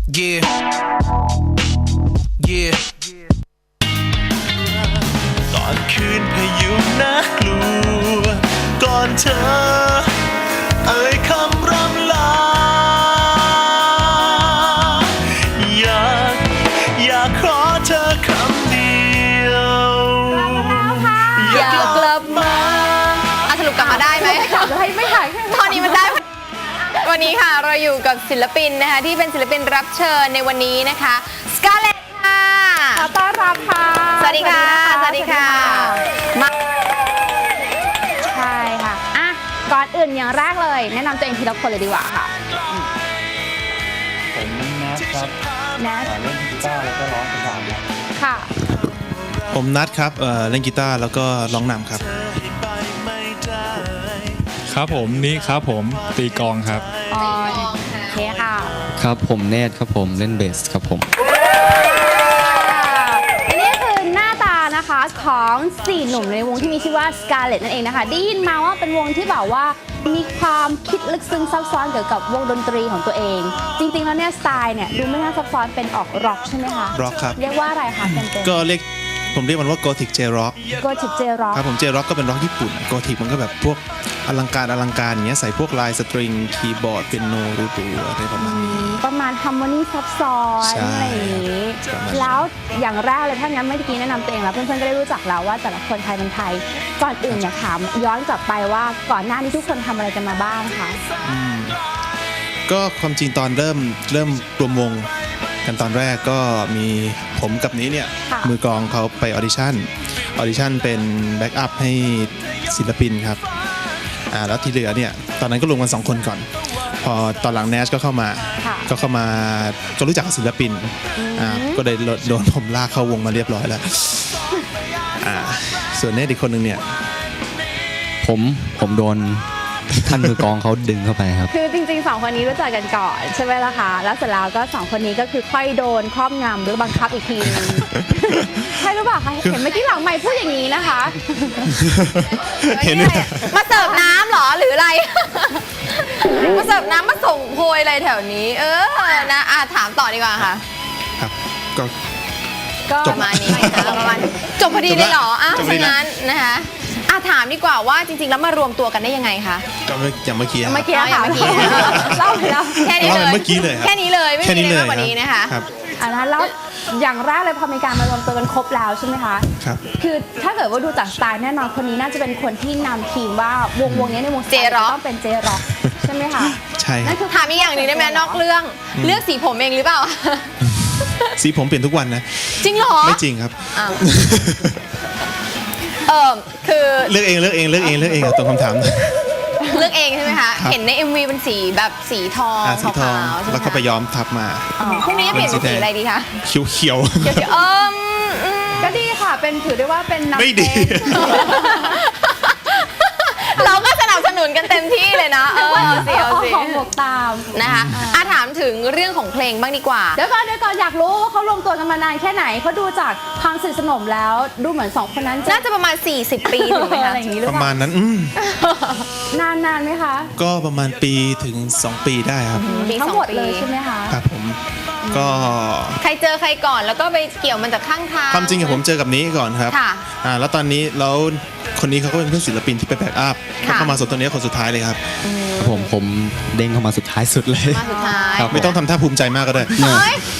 Yeah Yeah ตอนคืนพายุน่ากลัวก่อนเธอเอ่ยคำร่ำลาอยากขอเธอคำเดียวอยากกลับมาสรุปกลับมาได้ไหมไม่ถ่ายตอนนี้มันได้วันนี้ค่ะเราอยู่กับศิลปินนะคะที่เป็นศิลปินรับเชิญในวันนี้นะคะสกาเลตค่ะขอต้อนรับค่ะสวัสดีค่ะสวัสดีค่ะมาใช่ค่ะก่อนอื่นอย่างแรกเลยแนะนำตัวเองทีละคนเลยดีกว่าค่ะผมแนทครับแนทเล่นกีตาร์แล้วก็ร้องประสานครับค่ะผมนัทครับเล่นกีตาร์แล้วก็ร้องนำครับครับผมนี่ครับผมตีกลองครับโอเคค่ะครับผมเนทครับผมเล่นเบสครับผมนี่คือหน้าตานะคะของ4หนุ่มในวงที่มีชื่อว่า Scarlett นั่นเองนะคะได้ยินมาว่าเป็นวงที่แบบว่ามีความคิดลึกซึ้งซับซ้อนเกี่ยวกับวงดนตรีของตัวเอง จริงๆแล้วเนี่ยสไตล์เนี่ยดูไม่น่าซับซ้อนเป็นออกร็อกใช่ไหมคะร็อกครับเรียกว่าอะไรคะเต็มๆก็ผมเรียกมันว่า Gothic J-Rock Gothic J-Rock ครับผม J-Rock ก็เป็นร็อกญี่ปุ่น Gothic มันก็แบบพวกอลังการอย่างเงี้ยใส่พวกลายสตริงคีย์บอร์ดเปียโนรูอะไรประมาณนี้ประมาณฮาร์โมนีซับซ้อนอะไรอย่างนี้แล้วอย่างแรกเลยถ้างั้นเมื่อกี้แนะนำตัวเองแล้วเพื่อนๆก็ได้รู้จักแล้วว่าแต่ละคนไทยเป็นไทยก่อนอื่นอยากถามย้อนกลับไปว่าก่อนหน้านี้ทุกคนทำอะไรกันมาบ้างคะก็ความจริงตอนเริ่มรวมวงกันตอนแรกก็มีผมกับนี้เนี่ยมือกลองเขาไปออดิชั่นเป็นแบ็กอัพให้ศิลปินครับแล้วที่เหลือเนี่ยตอนนั้นก็รวมกัน2คนก่อนพอตอนหลังแนชก็เข้ามาก็รู้จักกับศิลปินก็ได้โดนผมลากเข้าวงมาเรียบร้อยแล้วส่วนเนทอีกคนนึงเนี่ยผมโดนท่านมือกองเขาดึงเข้าไปครับคือจริงๆ2คนนี้รู้จักกันก่อนใช่ไหมล่ะคะแล้วเสร็จแล้วก็2คนนี้ก็คือค่อยโดนครอบงำหรือบังคับอีกทีนึงใช่หรือเปล่าคะเห็นเมื่อกี้หลังไมค์พูดอย่างนี้นะคะเห็นมาเสิร์ฟน้ำหรอหรืออะไรมาเสิร์ฟน้ำมาส่งโพยอะไรแถวนี้นะถามต่อดีกว่าค่ะครับก็ประมาณนี้นะคะประมาณจบพอดีเลยเหรอฉะนั้นนะคะถามดีกว่าว่าจริงๆแล้วมารวมตัวกันได้ยังไงคะก็อย่างเมื่อกี้ค่ะเล่าไปแล้วแค่นี้เลยเมื่อกี้เลยแค่นี้เลยไม่มีอะไรมากกว่านี้นะคะแล้วอย่างแรกเลยพอมีการมารวมตัวกันครบแล้วใช่ไหมคะครับคือถ้าเกิดว่าดูจากสไตล์แน่นอนคนนี้น่าจะเป็นคนที่นำทีมว่าวงนี้ในวงเจร็อกต้องเป็นเจร็อกใช่ไหมคะใช่นั่นคือถามอีกอย่างหนึ่งได้ไหมนอกเรื่องเลือกสีผมเองหรือเปล่าสีผมเปลี่ยนทุกวันนะจริงเหรอไม่จริงครับคือเลือกเองตรงคำถามเลือกเองใช่ไหมคะเห็นใน MV เป็นสีแบบสีทองขาวๆแล้วก็ไปย้อมทับมาพรุ่งนี้จะเปลี่ยนเป็นสีอะไรดีคะเขียวก็ดีค่ะเป็นถือได้ว่าเป็นไม่ดีเราก็สนับสนุนกันเต็มที่เลยนะเอาสิของหมวกตามนะคะถามถึงเรื่องของเพลงบ้างดีกว่าเดี๋ยวก่อนอยากรู้ว่าเขารวมตัวกันมานานแค่ไหนเขาดูจากความสนิทสนมแล้วดูเหมือน2คนนั้นน่าจะประมาณ40 ปีถูกไหมคะประมาณนั้นนานไหมคะก็ประมาณปีถึง2 ปีได้ครับทั้งหมดเลยใช่ไหมคะครับผมก็ใครเจอใครก่อนแล้วก็ไปเกี่ยวมันจากข้างทางความจริงผมเจอกับนี้ก่อนครับแล้วตอนนี้แล้วคนนี้เขาก็เป็นเพื่อนศิลปินที่ไปแบ็กอัพเข้ามาส่วนตัวนี้คนสุดท้ายเลยครับผมเด้งเข้ามาสุดท้ายสุดเลยมาสุดท้ายไม่ต้องทำท่าภูมิใจมากก็ได้